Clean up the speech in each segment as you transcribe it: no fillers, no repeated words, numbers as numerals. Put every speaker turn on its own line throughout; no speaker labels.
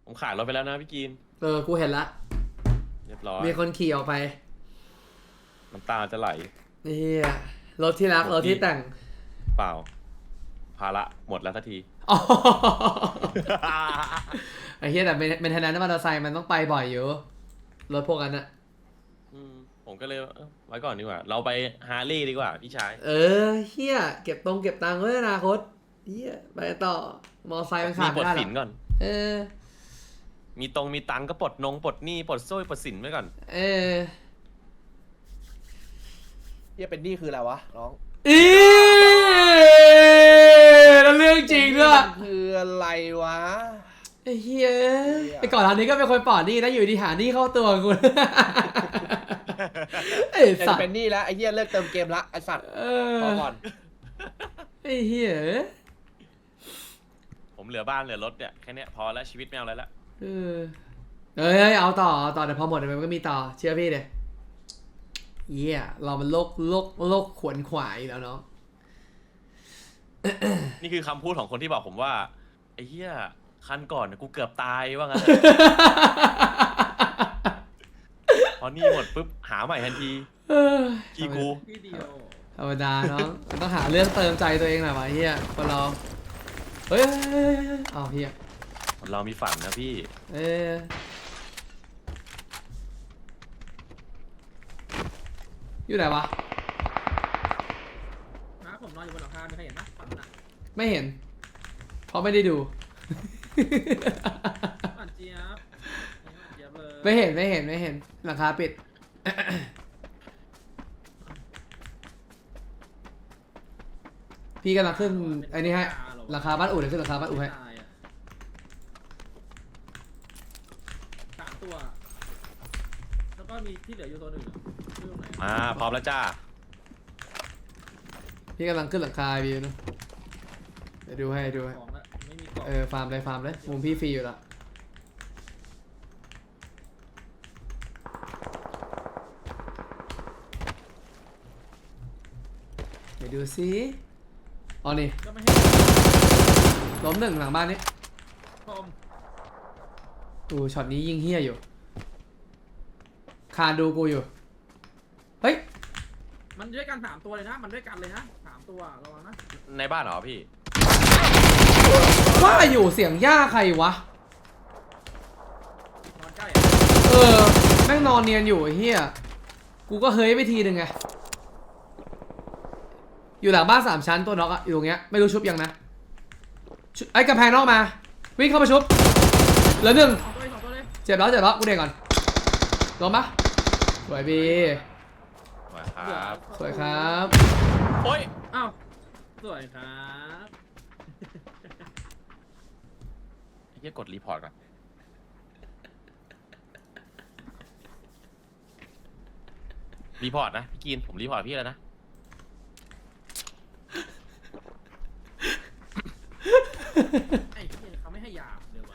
ผมขายรถไปแล้วนะพี่กีน
กูเห็นละ
เรียบร้อย
มีคนขี่ออกไป
น้ำตาจะไหล
นี่รถที่รักรถที่แต่ง
เปล่าภาระหมดแล้วสักที
ไอ้เหี้ยแต่เป็นทนายมอเตอร์ไซค์มันต้องไปบ่อยอยู่รถพวกนั้นอะ
ผมก็เลยไว้ก่อนดีกว่าเราไปฮาร์เลย์ดีกว่าพี่ชาย
เหี้ยเก็บตังค์ไว้ในอนาคตเหี้ยไปต่อมอเตอร์ไซค์มันขาดไม่ได้หรอก
มีปลดสินก่อนมีตังก็ปลดปลดหนี้ปลดโซ่ปลดสินไว้ก่อน
เฮียเป็นหนี้คืออะไรวะน้อง
แล้วเรื่องจริงด้วย
คืออะไรวะ
ไอ้เหี้ยไอ้ก่อนอันนี้ก็เป็นคนปลอดหนี้นะอยู่ดีหาหนี้เข้าตัวกู
ไอ้สัตว์เป็นหนี้แล้วไอ้เฮียเลิกเติมเกมละไอ้สัตว์พอก่อน
ไอ้เหี้ย
ผมเหลือบ้านเหลือรถเนี่ยแค่นี้พอแล้วชีวิตไม่เอาอะไรละ
เอาต่อแต่พอหมดมันก็มีต่อเชื่อพี่เลยเหี้ยเรามันโลกขวนขวายแล้วเนาะ
นี่คือคำพูดของคนที่บอกผมว่าไอ้เหี้ยคันก่อนกูเกือบตายว่างั้นพอนี่หมดปุ๊บหาใหม่ทันทีกี่กู
ธรรมดาเนาะต้องหาเรื่องเติมใจตัวเองหน่อยวะเฮียคนเราเอาเฮีย
เรามีฝันนะพี่
อยู่ไหนวะ
ผมนอนอยู่บนหลังคาไม่เคยเห็นปะฝันน่ะ
ไม่เห็นเพราะไม่ได้ดู
ฝันเจี๊ยบเลย
ไม่เห็นหลังคาปิดพี่กำลังขึ้นไอ้นี่ให้ราคาบ้านอู่เลยขึ้นราคาบ้านอู่ให้
3 ตัวแล้วก็มีที่เหลืออยู่ตัวหนึ่ง
พร้อมแล้วจ้า
พี่กำลังขึ้นหลังคาพี่นะเดี๋ยวดูให้ฟาร์มเลยมุมพี่ฟรีอยู่ละเดี๋ยวดูซิอ๋อนี่ล้มหนึ่งหลังบ้านนี้ช็อตนี้ยิงเฮี้ยอยู่คานดูกูอยู่เฮ้ย
มันด้วยกัน3 ตัวเลยนะมันด้วยกันเลยนะ3 ตัวระวังนะ
ในบ้านเหรอพี่
ว่าอยู่เสียงย่าใครวะ
นอนใกล้
แม่งนอนเนียนอยู่ไอ้เฮี้ยกูก็เฮ้ยไปทีหนึ่งไงอยู่หลังบ้าน3 ชั้นตัวน็อกอะอยู่ตรงเงี้ยไม่รู้ชุบยังนะไอ้กระแพงนอกมาวิ่งเข้ามาชุบเหลือ1เจ็บแล้วกูเด็กก่อนลงปะสวยบีสวยครับ
โอ้ย
อ้าวสวยครับ
ไอ้เหี้ยกดรีพอร์ตก่อนรีพอร์ตนะพี่กีนผมรีพอร์ตพี่แล้วนะ
ไอ้เหี้ยเขาไม่ให้ยาเดี๋ยววะ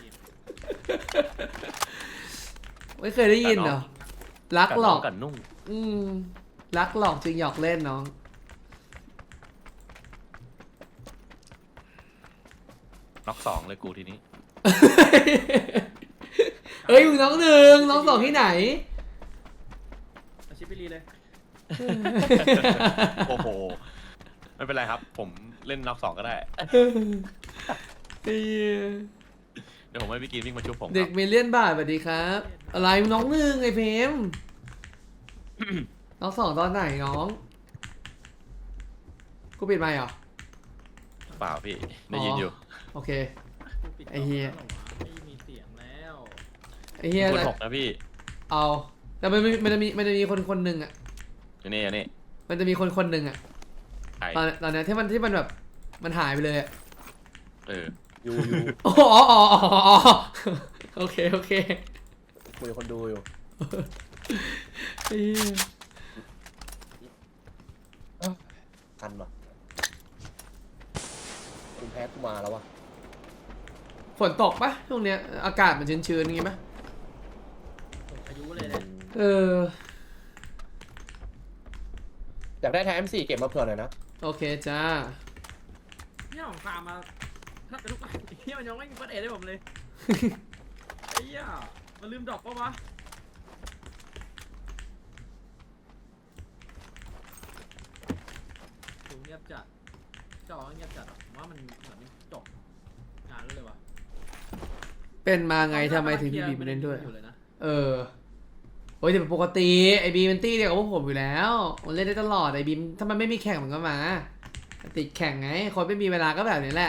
ไม่เคยได้ยินเหรอรักหลอก
กันนุ่ง
รักหลอกจริงหยอกเล่นน้อง
น็อก2เลยกูทีนี้
มึงน้อง1น้อง2ที่ไหน
อาชิปรีเลย
โอ้โหไม่เป็นไรครับผมเล่นน็อก2ก็ได้เดี๋ยวผมให้พี่กีนวิ่งมาชุบผม
เด็กมิลเลียนบาทสวัสดีครับอะไรน้อง1ไอ้เพมน้อง2ตอนไหนน้องกูปิดไมค์เหรอ
เปล่าพี่ได้ยินอยู่
โอเคไอ้เฮีย
ไม่มีเสียงแล้ว
ไอ้เฮีย
คน6นะพี่
เอาแต่มันจะมีคนหนึ่งอ่ะ
นี่
มันจะมีคนหนึ่งอ่ะตอนนี้ที่มันแบบมันหายไปเลยอ่ะ
อยู่
อ๋อโอเค
คุยกับคนดูอยู่ทันปะคุณแพ้กูมาแล้ววะ
ฝนตกปะช่วงเนี้ยอากาศมันชื้นๆงี้ปะ
อายุเลยเนี่ย
อยากได้แท้M4เก็บมาเผื่อหน่อยนะ
โอเคจ้า
เนี่ยผมพามาถ้าเป็นลูกเฮียมันยังไม่มีเปิดเอได้ผมเลยเหี้ยมันลืมดรอปปะวะถูเงียบจัดจอเงียบจัดผมว่ามันเหมือนจบงานแล้วเลยวะ
เป็นมาไงทำไมถึงพี่บีมาเล่นด้วย
อยู่เลยนะ
เออโอ้ยแต่ปกติไอบีมันตี้เดียวกับพวกผมอยู่แล้วมันเล่นได้ตลอดไอบีมถ้ามันไม่มีแข่งมันก็มาติดแข่งไงคนไม่มีเวลาก็แบบนี้แหละ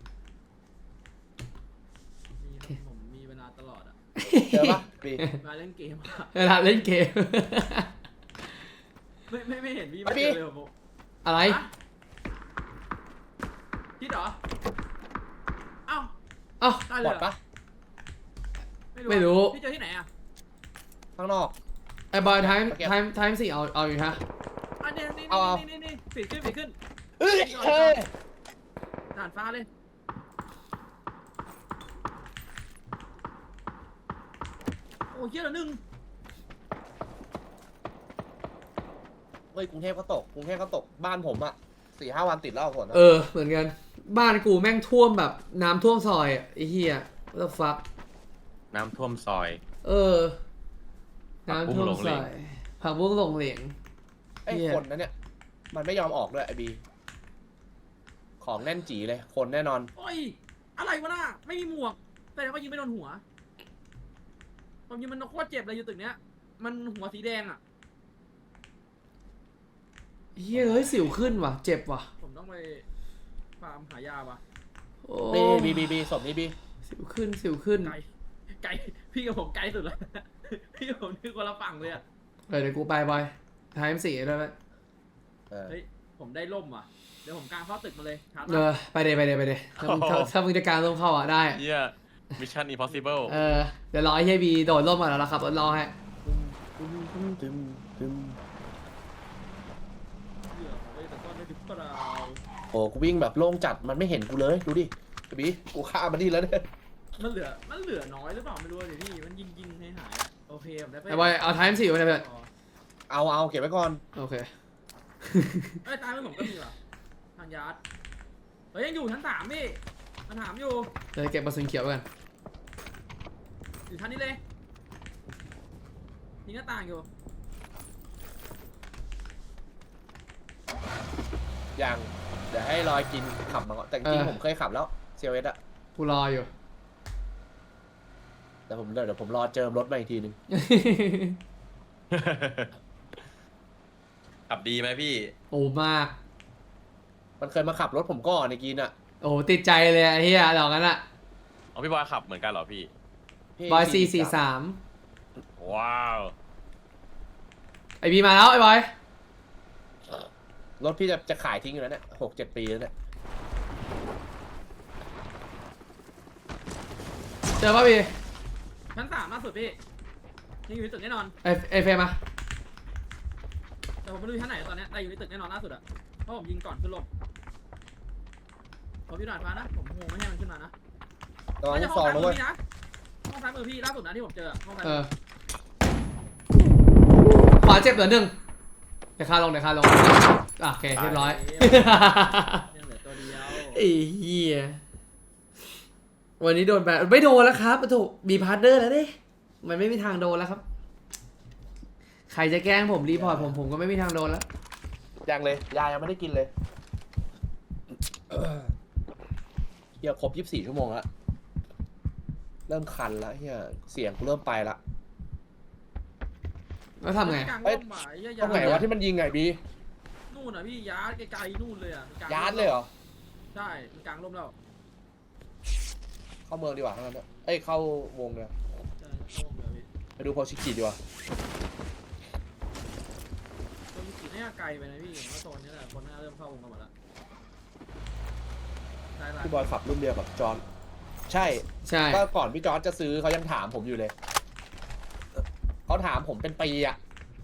ผมมีเวลาตลอดอะ
เจอปะบี
มาเล่นเกมอะ
เวลาเล่นเกม
ไม่เห็นพี่มาเจอเลยผม
อะไร
คิดเหรอเอ้า
เอ้า
ได้
บ
เล
อย ด
เหรอ
ปะ
ไม่รู้
พี่เจอที่ไหนอะ
ข้างนอก
ไอบอยไทม์
โอเค
ไทม์สี่เอาอยู่ฮะ
อันนี้นี่
เอา
นี่ฝีขึ้น
เฮ้ยเฮ้ย
ด่านฟ้าเลยโอ้ยเหี้ยอะละหนึ่ง
เฮ้ยกรุงเทพก็ตกกรุงเทพก็ตกบ้านผมอะ4-5 วันติดแล้วฝนอะ
เออเหมือนกันบ้านกูแม่งท่วมแบบน้ำท่วมซอยอ่ะไอ้เหี้ย what the fuck
น้ำท่วมซอย
เออ
ผักบุ้ง
น้ำท่วม
หลงเหล
ซ
ง
อยผักบุ้งหลงเหลง
ไอ้
เหี้ย
คนนั้นเนี่ยมันไม่ยอมออกด้วยไอ้บีของแน่นจีเลยคนแน่นอน
โอ้ยอะไรวะน่ะไม่มีหมวกแต่ก็ยิงไม่โดนหัวผมยิงมันโคตรเจ็บเลยอยู่ตึกเนี้ยมันหัวสีแดงอ่ะ
เฮ้ยเฮ้ยสิวขึ้นว่ะเจ็บว่ะ
ผมต้องไปฟาร์มหายาว่ะ
โอ้
บีศพนี้บี
สิวขึ้นสิวขึ้น
ไกลพี่กับผมไกลสุดแล้ว พี่กับผมนี่คนละฝั่งเลยอ่ะ
เดี๋ยวกูไปบอยไทม์สี่ด้วยไหม
เออ
เฮ้ยผมได้ล่มว่ะเดี๋ยวผมกางเข้าตึกมาเลยชาร์จ
เออไปเดถ้ามึงถ้ามึงจะการต้องเข้าอ่ะได้
เหี้ย Mission Impossible
เออเดี๋ยวรอไอ้เฮียบีโดดร่มก่อนแล้วครับรอให้
เหี้ยผมไปแต่ต้นได้ถึงเปล่า
โอ้กูวิ่งแบบโล่งจัดมันไม่เห็นกูเลยดูดิไอ้บีกูฆ่ามันดีแล้วเนี่ย
มันเหลือน้อยหรือเปล่าไม่รู้เลยพี่มันยิงให้หายโอเคผมได้ไป
ไอ้บอยเอาไทม์สี่ไว้เลยเพื่อน
เอาเก็บไว้ก่อน
โอเค
เอ้ยตายไปผมก็มีว่ะทางยาร์ดเฮ้ยยังอยู่ชั้น3พี่มันถามอยู่
เดี๋ยวเก็บกระสุนเขียวไว้กัน
อยู่ชั้นนี้เลยมีหน้าต่างอยู่
อย่างเดี๋ยวให้รอยกินขับมาก่อนแต่จริงๆผมเคยขับแล้วเซลเวสอะ
กูรออยู่
แต่เดี๋ยวผมรอเจิมรถมาอีกทีนึง
ขับดีไหมพี่
โอ้มาก
มันเคยมาขับรถผมก่อนในกินอะ
โอ้ติดใจเลยไอ้เฮียดอกนั้นอะ
เอาพี่บอยขับเหมือนกันเหรอพี่
พี่
บอย
43
ว้าว
ไอบีมาแล้วไอ้บอย
รถพี่จะขายทิ้งอยู่แล้วเนี่ย6-7 ปีแล้วเนี่ย
เจอป่ะบี
ชั้น3ล่าสุดพี่ยังอยู่ในตึกแน่นอน
ไอเฟรมมา
แต่ผมไม่รู้อยู่ชั้นไหนตอนเนี้ยแต่อยู่ในตึกแน่นอนล่าสุดอะเพราะผมยิงก่อนขึ้นลมผมอยู่หน่อยฟ้านะผมโหไม่ให้มันขึ้นมานะ
ระวัง
ไม่
ลู
ใช่
ก
ห้
ซ
อ
อง ง
ซ้าย
นะ
มื
เว้
อย พี่นะห้องซ้ายมือพี่ล่าสุดนะที่ผมเจอห้องซ้าย
เอ
มื
อ
อ
ขวาเจ็บเหลือ1เดี๋ยวคาลงอ่ะโอเคเรียบร้อย
ยังเหลือตัวเดียว
ไอ้เหี้ยวันนี้โดนแบนไม่โดนแล้วครับถูกมีพาร์ทเนอร์แล้วดิมันไม่มีทางโดนแล้วครับ ใครจะแกล้งผมรีพอร์ตผมก็ไม่มีทางโดนแล้ว
ยังเลยยายังไม่ได้กินเลยเฮียครบ24 ชั่วโมงแล้วเริ่มคันแล้วเฮียเสียงกูเริ่มไปละ
แล้วทำไง
กลางร่มอ่ะไอ้เหี้ย
ตรงไหนวะที่มันยิงไงบี
นู่นอ่ะพี่ยาร์ดไกลๆนู่นเลยอ่ะกลง
ยาร์ดเลยเหรอ
ใช่มันกลางร่มแล้ว
เข้าเมืองดีกว่าทั้งนั้นเอ้ยเข้าวงเลย
ใช่เข้าวงเลยพี่
ไปดูโพชิกิดีกว่า
ตัวมีกี่น่าไกลไปนะพี่ผมว่าโซนนี้แหละคนน่าเริ่มเข้าวงกันหมดแล้วใช่ละ
พี่บอยขับรุ่นเดียวกับจอห์นใช่
ใช่
ก็ก่อนพี่จอร์จจะซื้อเขายังถามผมอยู่เลยเขาถามผมเป็นปีอะ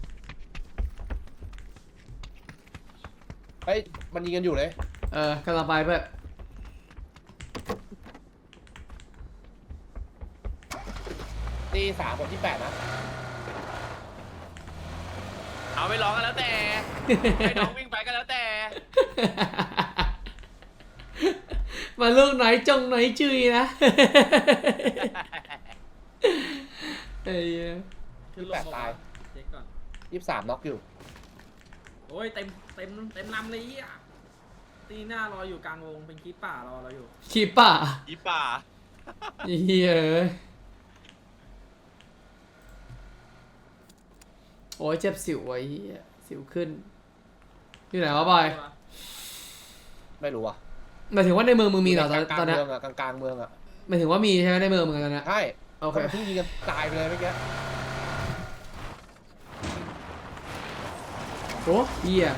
เฮ้ยมันยิงกันอยู่เลย
กำลังไปเพื่อน
ตี3คนที่8นะ
เอาไปร้องกันแล้วแต่ให้น้องวิ่งไปกันแล้วแต่
มาลูกไหนจงไหนจุยนะไอ้เหี้ย
ขึ้นลง
28ตาย
เช็คก่อน
23น็อกอยู่
โอ้ยเต็มลำเลยอ่ะตีหน้ารออยู่กลางวงเป็นคีปป่ารอเราอยู่
ขีป่า
อีป่า
ไอ้เหี้ยเอ้ยโอ้ยเจ็บสิวไอ้เหี้ยสิวขึ้นอยู่ไหนวะบอย
ไม่รู้อ่ะ
หมายถึงว่าในเมืองมึงมีเหรอตอนเนี้ย
เมืองอ่ะกลางๆเมืองอ่ะ
หมายถึงว่ามีใช่ไหมในเมืองมึงตอนเนี้ย
ใช่
โอเค
เพิ่งยิงกันตายไปเลยเมื่อกี้
โอ้เหี้ย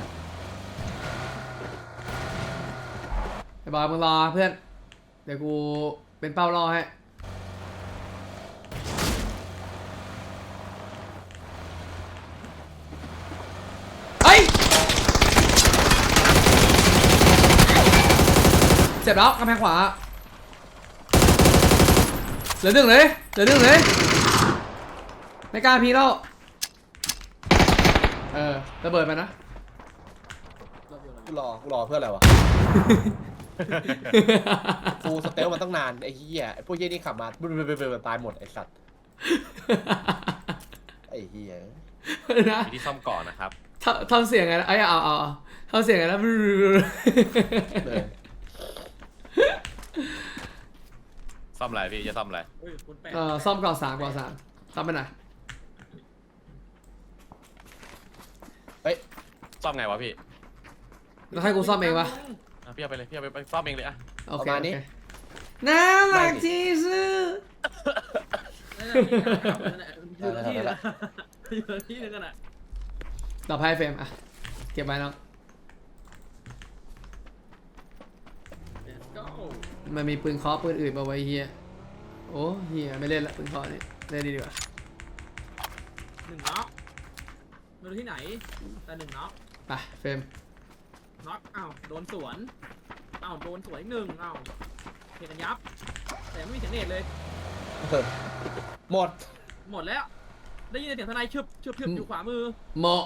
ไอ้บอยมึงรอเพื่อนเดี๋ยวกูเป็นเป้ารอให้เฮ้ยเจ็บแล้วกำแพงขวาเหลือหนึ่งเลยไม่กล้าพีแล้วระเบิดไปนะ
กูรอเพื่ออะไรวะฟูสเตลมันตั้งนานไอ้เหี้ยไอ้พวกเหี้ยนี่ขับมาตายหมดไอ้สัตว์ไอ้เหี้ย
นะ
มีที่ซ่อมก่อนนะครับ
ทำเสียงไงนะไอ้เอาทำเสียงไงนะ
เลย
ซ่อมอะไรพี่จะซ่อมอะไร
เฮ้ยคุณแปด
ซ่อมก่อสามซ่อมไปไหนอย
ซ่อมไงวะพี่
แล้วให้กูซ่อมเองปะ
อ่ะพี่เอาไปเลยพี่เอาไปซ่อมเองเลยอะ
โอเคน่ารักที่สุด
อยู่ที่นึงอยู่ที่นึงกันอ่ะ
ต่อไปเฟรมอ่ะเก็บไว้น้อง
ก็
มันมีปืนเคาะปืนอื่นมาไว้เฮียโอ้เฮียไม่เล่นละปืนเคาะนี่เล่นดีกว่า
1น็อกไม่รู้ที่ไหนแต่1น็อก
ไปเฟรม
น็อกอ้าวโดนสวนอ้าวโดนสวนอีก1อ้าวเห็นกันยับแต่ไม่มีเสียงเนตเลย
หมด
แล้วได้ยินเสียงทนายชึบอยู่ขวามือ
เหมาะ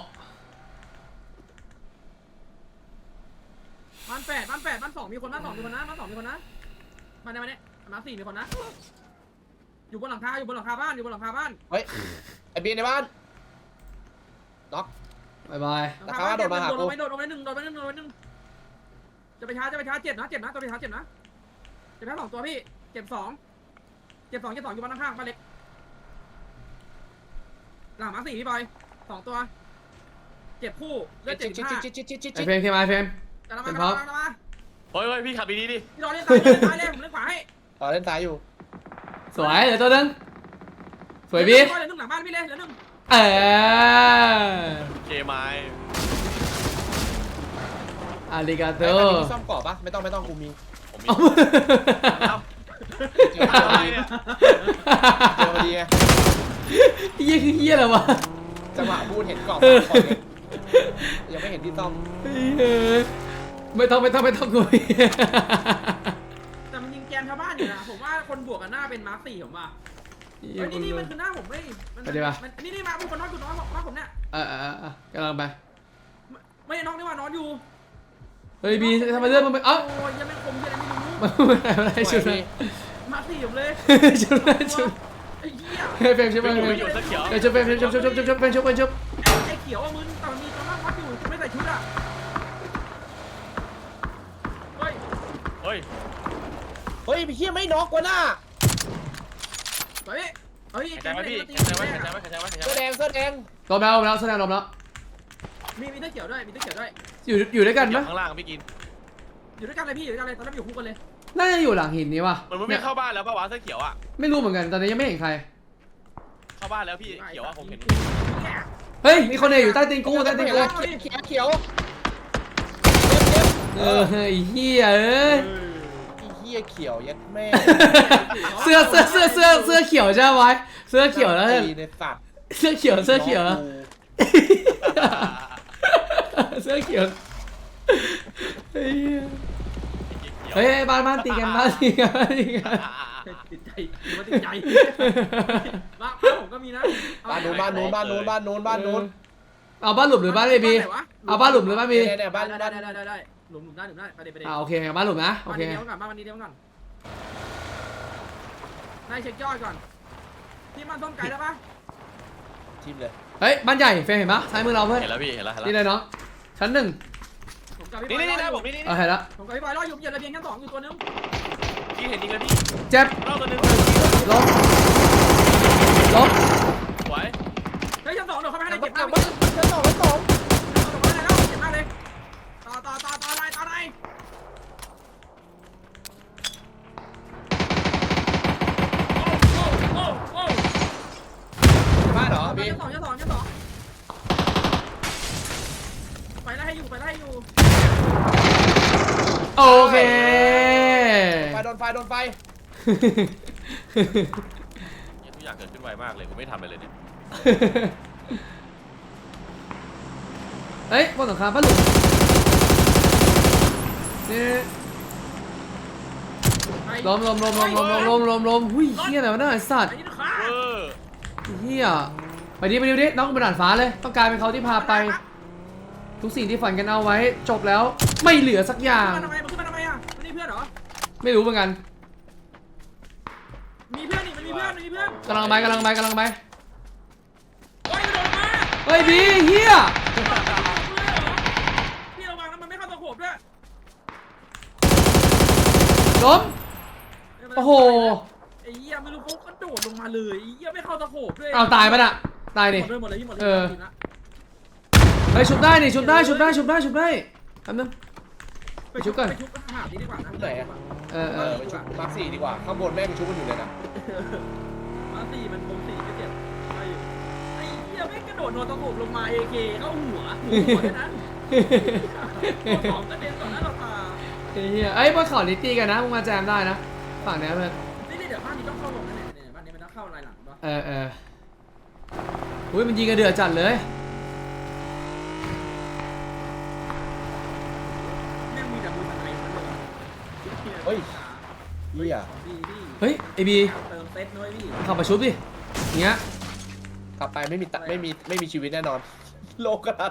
บ้าน2มีคนบ้าน2มีคนนะบ้าน2มีคนนะมาเนี่ยมา4มีคนนะอยู่บนหลังคาบ้าน
เฮ้ยไอ้บีในบ้านน็อก
บายบาย
ราคาโดดมาหากู
โดนไปหนึ่งจะไปช้าเจ็บนะตัวไปช้าเจ็บนะเจ็บแค่2ตัวพี่เจ็บ2อยู่บ้านข้างๆบ้านเล็กหลังมา4พี่บอย2ตัวเจ็บคู่เลือด
จิ๊ด
ไอเฟรมเข้ามาเฟรม
กำลังมา
เฮ้ยพี่ขับดีๆดิ
พี่รอเล่นซ้ายเลยผมเล่นขวาให้
เล่นซ้ายอยู่
สวยเหลือตัวนึงสวยบี
เหลือ1หลังบ้านพี่เลยเหลือ1
เคไม้
อาริกาโต
ไอ้คันนี้มีซ่อมเกาะปะไม่ต้องกูมี
ผมมี
เจอพ
อะไร
อดี
เนี่ย
ไง
เฮียคือเฮียอะไรวะ
จังหวะพูดเห็นเกาะก่อนเลยยังไม่เห็นที่ซ่อม
ไม่ต้องกู
แต่มันยิงแกนชาวบ้านอยู่นะผมว่าคนบวกกันหน้าเป็นมาร์ค4ผมว่านี่มันคือหน้าผมไม่นี่มาบุกคนน็อกอยู่น็อกผมเนี่ย
กำลังไป
ไม่น็อกนี่ว่านอนอยู่
เฮ้ยบีทำไมเลื่อนมันไปเอ้า
โอ้ยยังไม่คมยังไม่รู้
อะไรชุดเลย
มา4ผมเลย
ชุด
ไอ้เหี้ย
เฟรมชุบเฟรม
ไม่อยู่เสื้อเขียว
ชุบเฟรมชุบชุบ
ไอ้เขียวมึนแต่มันมีตัวนั่งวัดอยู่ไม่ใส่ชุดอ่ะเฮ้ย
เฮ้ย
เฮ้ยพี่เฮียไม่น็อกกว่าหน้า
เฮ้ย
หายใจไว้พี่หายใจไว้หายใจไว้หายใจไว้หายใจ
เสื้อ
ไว้
แดงเสื้อแดง
ลมแล้วแสดงลมแล้ว
มีเสื้อเขียวด้วย
อยู่ด้วยกัน
อยู่
ปะ
ข้างล่างพี่กิน
อยู่ด้วยกันเลยพี่อยู่ด้วยกันเลยตอนนั้นอยู่คู่กันเลย
น่าจะอยู่หลังหินนี้ว่ะ
มันไม่เข้าบ้านแล้วป่าวะเสื้อเขียวอ่ะ
ไม่รู้เหมือนกันตอนนี้ยังไม่เห็นใคร
เข้าบ้านแล้วพี่เขียวอ่ะผมเห็น
เฮ้ยมีคนเนี่ยอยู่ใต้ตีนกู
เขียว
ไอ้เหี้ยเอ้ย
ไอ้เฮียเขียวยัดแม่
เสื้อเขียวใช่ไหมเสื้อเขียวแล้ว
ในสัตว์
เสื้อเขียวเสื้อเขียวเฮ้ยบ้านตีกัน
ติดใจติดใจบ้านผมก็มีนะ
บ้านนู้น
เอาบ้านหลุมหรือบ้านเอบีเอาบ้านหลุมหรือบ้านบี
เนี่ยบ้าน
ได้หลุมได้ไปเดี๋ยว
โอเคบ้านหลุมนะโอเค
บ้านนี้เดียวก่อนได้เช็คยอดก่อนที่มันส้มไก่ได้ปะ
ทิมเลย
เฮ้ยบ้านใหญ่เฟรมเห็นปะซ้ายมือเราเพื่อน
เห็นแล้วพี่เห็นแล้ว
นี่เลยน้องชั้นหนึ่ง
ผมกับพี่บ
นี่
อย
นี่
รอ
นะ
อ
ผ
ยู่
มนี่
เห็นแล้ว
ผมกับพี่บอยรออยู่เหยียบระเบียงชั้น 2อยู่ตัวนึง
พี่เห็นจริงเลยพี่
เจ็บ
รอบตัวนึง
ล้มล้ม
สวย
เฮ้ยชั้น 2เดี๋ยวเขาไม่ให้
มัน
เก็บ
กลั
มา
บ
ก
มาชั้นสองชั้นสอง
ไม่ได้แล้วเก็บมากเลยต่ออะไร โอ้
บ้านเหรอบี
ชั้นสองไปไล่ให้อยู่
โอเค
โดนไฟ
ทุกอย่างเกิดขึ้นไวมากเลยกูไม่ทำอะไรเลยเนี่ย
เฮ้ยบนหลังคาป้าหลุมนี่ล้มหุ้ยเฮียอะไรวะเนี่ยไอ้สัตว์
ไอ้นี่ขา
เออ
เฮียไปดิน้องบนด่านฟ้าเลยต้องกลายเป็นเขาที่พาไป ทุกสิ่งที่ฝันกันเอาไว้จบแล้วไม่เหลือสักอย่าง
มันขึ้นมาทำไมอ่ะมันนี่เพื่อนเหรอ
ไม่รู้เหมือนกัน
มีเพื่อนนี่มันมีเพื่อน
กำลังไป
โอ้ยมันโดนมา
เฮ้ยบีเฮีย
พี่ระวังนะมันไม่เข้าตะโขบด้วย
ล้มโอ้โห
ไอ้เหี้ยไม่รู้เขากระโดดลงมาเลยไอ้เหี้ยไม่เข้าตะโขบด้วย
เอาตายปะน่ะตายดิ
หมดเลยพี่หมดเลย
เออ เฮ้ยชุบได้นี่ชุบได้แป๊บนึง
ไปชุบกันไปชุบหาดีดีกว่านะ
ไหนอะ ไปชุบมาร์ค4ดีกว่าข้างบนแม่งชุบกันอยู่เลยนะ
มาสี่มันคงสี่ไม่เจ็บไอ้เหี้ยไม่กระโดดโดนตะโขบลงมา AK เข้าหัวแค่นั้นของกระเด็นต่อหน้าต่อตา
เฮียเอ้ยบนเขาลิตี้กันนะมึงมาแจมได้นะฝั่งนี้เพื่อน
นี่เดี๋ยวบ้านนี้ต้องเข้าลงนะเนี่ยบ้านนี้มันต้องเข้าลายหลังป่ะ
อุ้ยมันยิงกันเดือดจัดเลย
แม่งมีแต่มือทนายมันเลย
เฮ้ยเฮีย
พี่
เฮ้ยไอบี
เติมเซตด้วยพี่
ขับมาชุบดิอย่างเงี้ย
กลับไปไม่มีชีวิตแน่นอน โลกกัน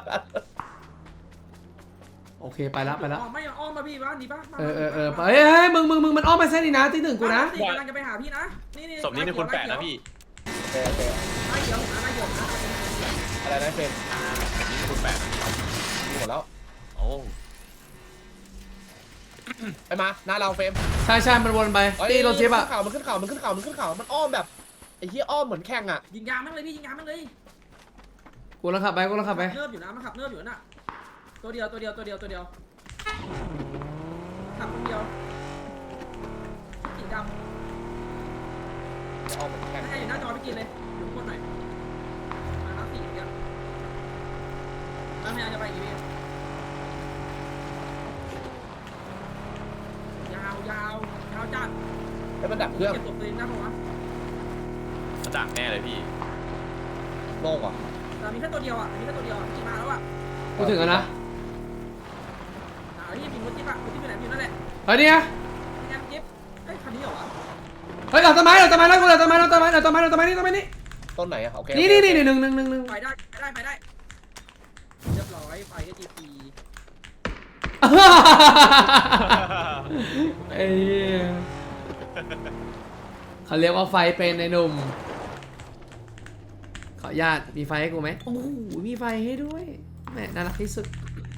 โอเคไปละ
ไม่อ้อมมาพี่บ้านดีป่ะ
ไปเฮ้ยมึงมันอ้อมไปเส้นนี้นะที่หนึ่งกูนะ
กำลังจะไปหาพี่นะนี่
ศพนี้นี่คุณแปะนะพี่
โอเค
ไล่เดี๋ยวนะไล่เดี๋ยวนะ
อะไรนะเฟรม
นี่คุณแปะนะ
มีหมดแล้ว
โอ้
ไปมาหน้าเราเฟรม
ใช่มันวนไปตีรถจิ๊บอะ
มันขึ้นเขามันอ้อมแบบไอ้เหี้ยอ้อมเหมือนแข่งอะ
ยิงยางแม่งเลยพี่ยิงยางแม่งเลย
กูลังขับไป
เนิบอยู่นะมันขับเนิบอยู่น่ะตัวเดียวขับคนเดียวสีดำ
อ้อมเหมือนแข่ง
ให้อยู่หน้าจอพี่กินเลยอยู่คนหน่อยมารับสี่เดียวแล้วพยายามจะไปอีกพี่ยาวจัด
แล้วมันดับเครื่อง
เก็บตัวเองได้ปะวะ
มันดักแน่เลยพี่
โล่งว่ะ
แต่มีแค่ตัวเดียวอ่ะพี่มาแล้วอ่ะ
กูถึงแล้วนะ
พี่มีรถจิ๊บอ่ะรถจิ๊บอยู่ไหนอยู่นั่นแหละ
เฮ้ยเนี่ย
แอมจิ๊บเฮ้ยคันนี้เหรอวะ
เฮ้ยเราต้นไม้แล้วกูเราต้นไม้นี่
ต้นไหนอะโอเค
นี่หนึ่ง
ไปได้เรียบร้อยไปก็จีพี
ไอ้เขาเรียกว่าไฟเป็นในหนุ่มขออนุญาตมีไฟให้กูไหมโอ้โหมีไฟให้ด้วยแหมน่ารักที่สุด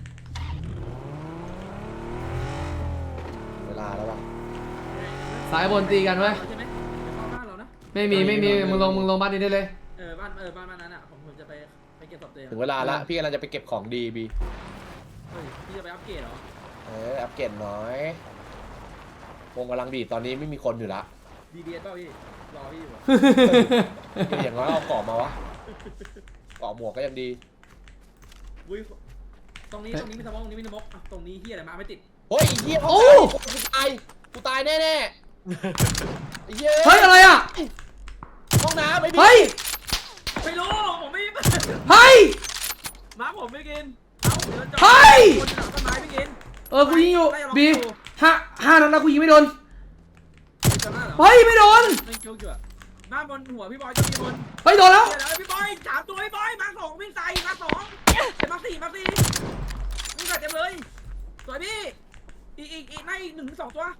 เวลาแล้วว่ะ
สายบนตีกันเว้ย
ใช่ไหมเข้าบ้านเรานะ
ไม่มีมึงลงบ้านนี้ได้เลย
บ้านนั้นอ่ะผมจะไปเก็บศพตัวเอง
ถึงเวลาละพี่กำลังจะไปเก็บของดีบี
เฮ้ยพี่จะไปอัปเกรดเหรอ
อัปเกรดหน่อยวงกำลังดีตอนนี้ไม่มีคนอยู่ละ
DBS เปล่าพี่รอพี่อยู่
อย่างน้อยเอาเกาะมาวะเกาะหมวกก็ยังดี
อุ้ยตรงนี้มีสมองตรงนี้มีสมองตรงนี้เฮียอะไรมาไม่ติด
เฮ้ยไอ้เหี้ย
โอ้
กูตายแน่ๆไอ้เหี้ย
เฮ้ยอะไรอ่ะ
ห้องน้ำไอ้บี
เฮ้ย
ไม่รู้ผมไม่
เฮ้ย
มาผมไม่กินคนหลังต้นไม้ไม่กิน
กูยิงอยู่บีห้านัดแล้วกูยิงไม่โดน
จำได้เหรอ
เฮ้ยไม่โดน
ไม่คิวอยู่อะบ้านบนหัวพี่บอยจะมีบน
เฮ้ยโดนแล้ว
เดี๋ยวพี่บอยถามตัวพี่บอยมาสองวิ่งใส่มาสองมาสี่วิ่งใส่เต็มเลยสวยพี่อีกในอีก1 ถึง 2ตัว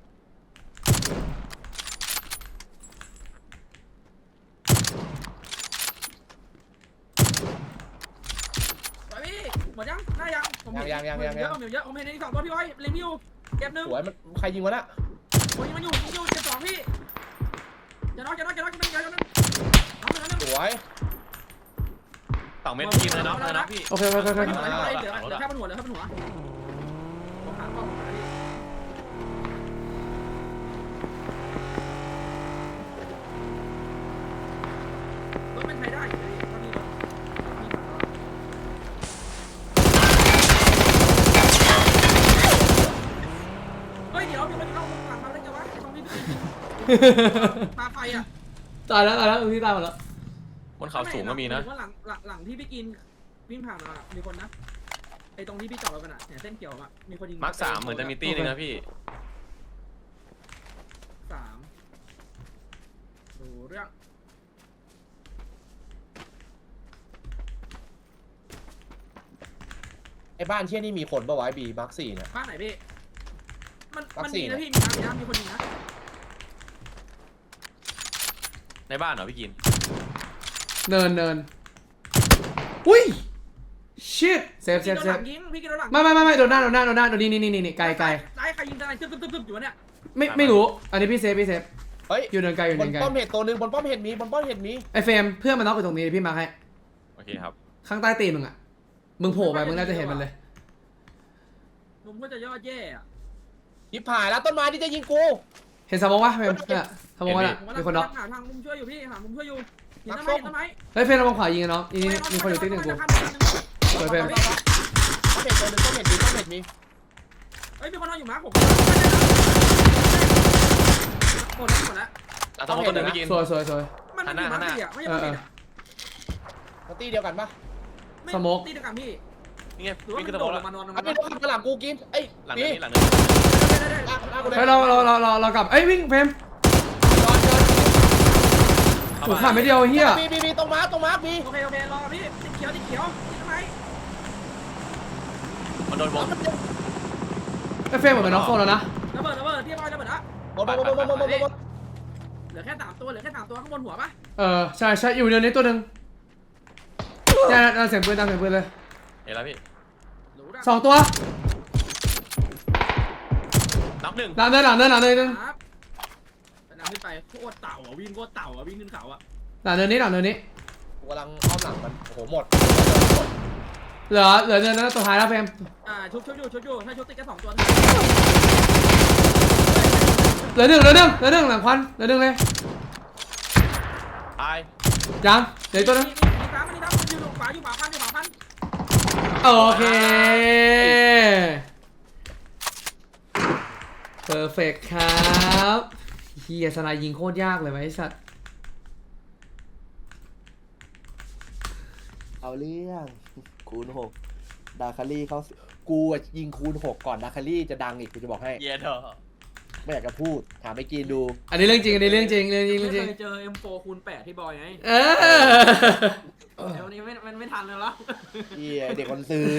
ยัง
เยอะผมเห็นใน2ตัวพี่อ้อยเล็งพี่อยู่เจ็บหนึ่ง
สวยมันใครยิงวะน่ะ
โอ้ยมันอยู่เจ็บ2พี่จะน็อกน้อง
สวย
2 เม็ดทีมเลยเนาะนะพี่
โอเค
เหลือแค่บนหัวผมหากล้องรถมันใช้ได้อยู่เลยตอนนี้เฮ้ยเดี๋ยวมีคนเข้าหลังมาได้ไงวะตรงนี้ปาไฟอ่ะ
ตายแล้วพี่ตายหมดแล้ว
บนเขาสูงก็มีนะ
ว่าหลังที่พี่กินวิ่งผ่านมามีคนนะไอตรงที่พี่จอดรถกันอ่ะเนี่ยเส้นเขียวอ่ะมีคนยิง
มาร์ค3เหมือนจะมีตีนึงนะพี่
3ดูเรื่อง
ไอ้บ้านเชี่ยนี่มีคนปะวะบีมาร์ค4เนี่ย
บ้านไหนพี่มัน
วัค
มัน
ซี
มี
น
นะพี่มีน้ำมีคนยิงนะ
ในบ้านเหรอพี่กิน
เนินอุ้ยชิตเซฟ
พี่โดนหลังยิงพี่กินโดนหลัง
ไม่โดนหน้าโดนนี่ไกล
ซ้ายใครยิงอะไรตึ๊บอยู่เนี่ย
ไม่รู้อันนี้พี่เซฟ
เฮ้ย
อยู่เนินไกล
บนป้อมเห็ดตัวนึงบนป้อมเห็ดมี
ไอเฟรมเพื่อนมันน็อกอยู่ตรงนี้พี่มาร์คให้
โอเคครับ
ข้างใต้ตีนมึงอ่ะมึงโผล่ไปมึงน่าจะเห็นมันเลย
มุมก็จะยอดแย่อะ
ยิบผ่านแล้วต้นไม้ที่จะยิงกู
เห็นสมองวะเฟรมเนี่ยสมองวะน่ะมีคนน็อก
หาทางมุมช่วยอยู่พี่หามุมช่วยอยู่เห็นต้นไม้
เฮ้ยเฟรมระวังขวายิงนะน้องนี่มีคนอยู่ตีหนึ่งกูสวยเฟรม
ป้อมเห็ดตัวนึงป้อมเห็ดมี
เฮ้ยมีคนนอนอยู่มั้ยผมหมดแล้ว
แล้วต้องคนหนึ่งพี่กิน
สวย
มันอยู่มั้ยอ่ะไม่ใช่
มาตีเดียวกันปะ
ตีเดียวกันพี่
นี่ไง
หรือว่า
พี่
มัน
ก็
โด
จะบอ
ด
ก
ล
แล้ว
งมานอน
ไอ้พี่ข้างหลังกูกินไอ้
หลัง
นี่
นี้หลังนี้
เฮ้ยเรากลับเอ้ยวิ่งเฟรมถูกขาดไม่เดียวเฮีย
มีตรงมาร์คมี
โอเครอพี่ติดเขียวติดทำไม
มันโดนวง
ไอเฟรมเหมือนน็อกโซนแล้วนะ
ระเบิดพี่บอยระเบิดละ
บน
เหลือแค่3ตัวข้างบนหัวปะ
ใช่อยู่เนินนี้ตัวหนึ่งเนี่ยเสียงปืนเลย
เห็นแล้วพี่
2 ตัว
น็อกหนึ่ง
หลังเนินนึง
ครับแต่นำขึ้นไปโคตรเต่าอ่ะวิ่งโคตรเต่าอ่ะวิ่งขึ้นเขาอ่ะ
หลังเนินนี้
กูกำลังอ้อมหลังมันโอ้โหหมด
เหลือเนินนั้นตัวท้ายแล้วเฟรม
ชุบอยู่ถ้าชุบติดแค่2ตัว
เหลือหนึ่งหลังควันเหลือหนึ่งเลย
ตาย
ยังเดี๋ยวตัวนึง
มีฟ้ามันอยู่ขวาพัน
โอเคเพอร์เฟกครับเฮียสไนยิงโคตรยากเลยไอ้สัตว์
เอาเรื่องคูณ6ดาคารี่เขากูยิงคูณ6ก่อนดาคารี่จะดังอีกกูจะบอกให้
เย็ดเถอะ
ไม่อยากจะพูดถามไปกินดู
อันนี้เรื่องจริง
ไม่เคยเจอ M4 คูณ8ที่บอยไงวันนี้มันไม่ทันเลยหรอ
เฮียเด็กคนซืน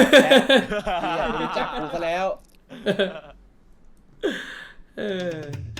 เฮียไม่รู้จักกูซะแล้ว
เออ